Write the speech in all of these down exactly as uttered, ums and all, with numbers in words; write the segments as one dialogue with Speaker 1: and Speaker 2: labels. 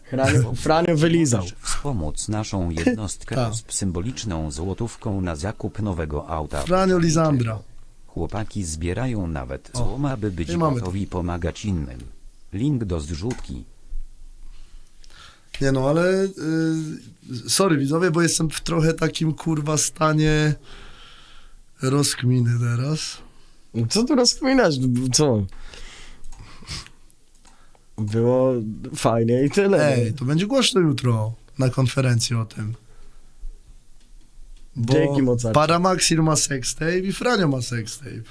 Speaker 1: Franio, Franio wylizał.
Speaker 2: Możesz wspomóc naszą jednostkę
Speaker 1: Tak.
Speaker 2: z symboliczną złotówką na zakup nowego auta.
Speaker 3: Franio Lizandra.
Speaker 2: Chłopaki zbierają nawet złom, aby być
Speaker 3: i mamy
Speaker 2: gotowi pomagać innym. Link do zrzutki.
Speaker 3: Nie no, ale y, sorry widzowie, bo jestem w trochę takim kurwa stanie rozkminy teraz.
Speaker 1: Co tu rozkminasz? Co? Było fajnie i tyle.
Speaker 3: Ej, to będzie głośno jutro na konferencji o tym. Bo
Speaker 1: Dzięki, Mozart.
Speaker 3: Paramaxir ma sextape i Franio ma sextape.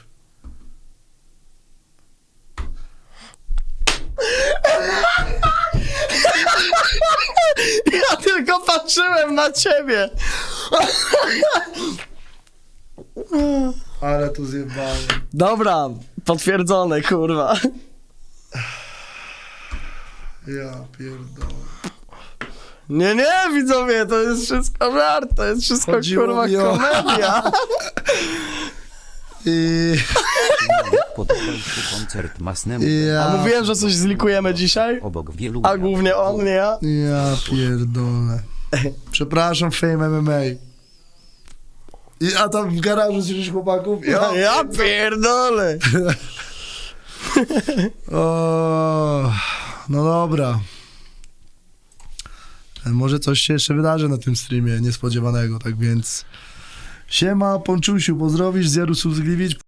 Speaker 1: Ja tylko patrzyłem na ciebie.
Speaker 3: Ale to zjebałem.
Speaker 1: Dobra, potwierdzone, kurwa.
Speaker 3: Ja pierdolę.
Speaker 1: Nie, nie, widzowie, to jest wszystko żart, to jest wszystko,
Speaker 3: Chodziło
Speaker 1: kurwa,
Speaker 3: mi o-
Speaker 1: komedia.
Speaker 3: I...
Speaker 2: Podobał się koncert Masnemu.
Speaker 3: Ja,
Speaker 1: A mówiłem, że coś zlikujemy dzisiaj?
Speaker 2: Obok wielu...
Speaker 1: A głównie on, nie ja?
Speaker 3: ja pierdolę. Przepraszam, Fame M M A. I, a tam w garażu słyszysz chłopaków?
Speaker 1: Ja, ja pierdolę.
Speaker 3: O, no dobra. Może coś się jeszcze wydarzy na tym streamie niespodziewanego, tak więc siema, Ponczusiu, pozdrowisz z Jarusów Zgliwic.